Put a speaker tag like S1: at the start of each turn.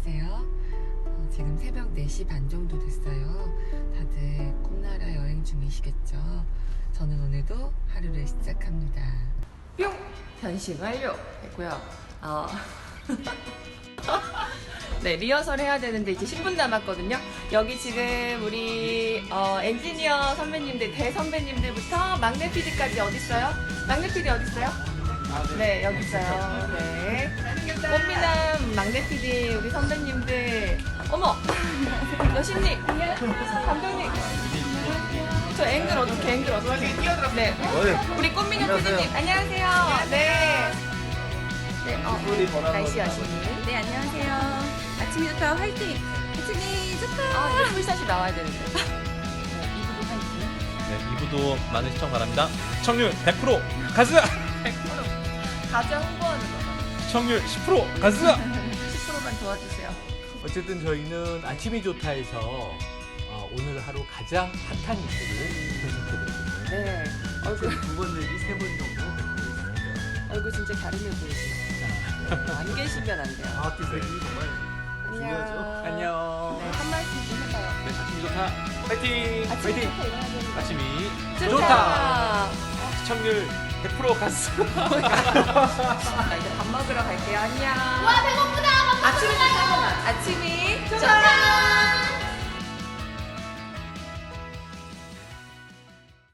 S1: 안녕하세요. 지금 새벽 4시 반 정도 됐어요. 다들 꿈나라 여행 중이시겠죠? 저는 오늘도 하루를 시작합니다. 뿅! 변신 완료! 됐고요. 네, 리허설 해야 되는데 이제 10분 남았거든요. 여기 지금 우리 엔지니어 선배님들, 대선배님들부터 막내 PD까지 어딨어요? 막내 PD 어딨어요? 네, 여기 있어요. 네. 꽃미남 막내 PD 우리 선배님들. 어머! 여신님! 감독님! 저 앵글 어떻게? 네. 우리 꽃미남 PD님, 안녕하세요. 네. 네, 날씨 여신님.
S2: 네, 안녕하세요. 아침이 좋다, 화이팅! 아침이 좋다!
S1: 이거 풀샷이 나와야 되는데.
S2: 이부도 화이팅!
S3: 네, 2부도 많은 시청 바랍니다. 시청률 100% 가즈!
S1: 100% 가자 홍보하는 거다.
S3: 시청률 10% 가즈!
S1: 10%만 도와주세요.
S4: 어쨌든 저희는 아침이 좋다에서 오늘 하루 가장 핫한 이슈를 분석해드리거든요.
S1: 네. 얼굴
S4: 두번 내지 세 번 정도 했습니다.
S1: 얼굴 진짜 갸름해 보이시네요. 안 계시면 안 돼요.
S4: 아트 색이 정말 중요하죠. 안녕.
S1: 네, 한 말씀 좀 해봐요.
S3: 네, 아침이 좋다. 파이팅!
S1: 아침에
S3: 파이팅!
S1: 좋다 일어나야 되는 거.
S3: 아침이
S1: 좋다.
S3: 시청률 100% 가즈!
S1: 자, 이제 밥 먹으러 갈게요. 안녕. 와 배고프다. 아침이 좋다. 아침이 좋다.